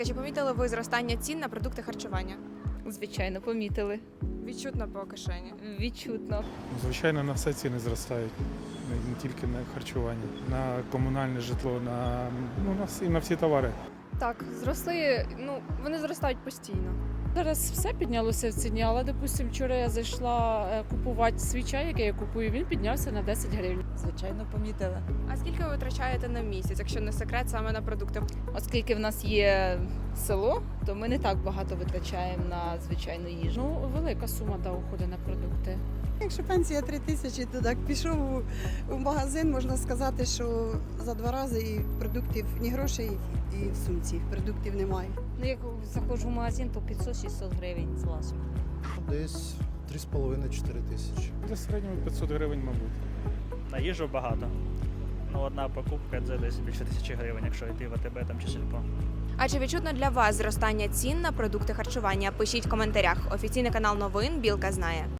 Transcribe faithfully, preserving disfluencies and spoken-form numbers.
Чи помітили ви зростання цін на продукти харчування? Звичайно, помітили. Відчутно по кишені. Відчутно. Звичайно, на все ціни зростають, не не тільки на харчування, на комунальне житло, на, ну, на, всі, на всі товари. Так, зросли, ну, вони зростають постійно. Зараз все піднялося в ціні, але, допустим, вчора я зайшла е, купувати свій чай, який я купую, він піднявся на десять гривень. Звичайно, помітила. А скільки ви витрачаєте на місяць, якщо не секрет, саме на продукти? Оскільки в нас є село, то ми не так багато витрачаємо на звичайну їжу. Ну, велика сума да, уходить на продукти. Якщо пенсія три тисячі, то так пішов у, у магазин, можна сказати, що за два рази і продуктів, ні грошей, і в сумці продуктів немає. Ну, як заходжу в магазин, то п'ятсот-шістсот гривень злазу. Десь три з половиною - чотири тисячі. Для середнього п'ятсот гривень, мабуть. На їжу багато. Ну, одна покупка це десь більше тисячі гривень, якщо йти в АТБ там чи сільпо. А чи відчутно для вас зростання цін на продукти харчування? Пишіть в коментарях. Офіційний канал новин «Білка знає».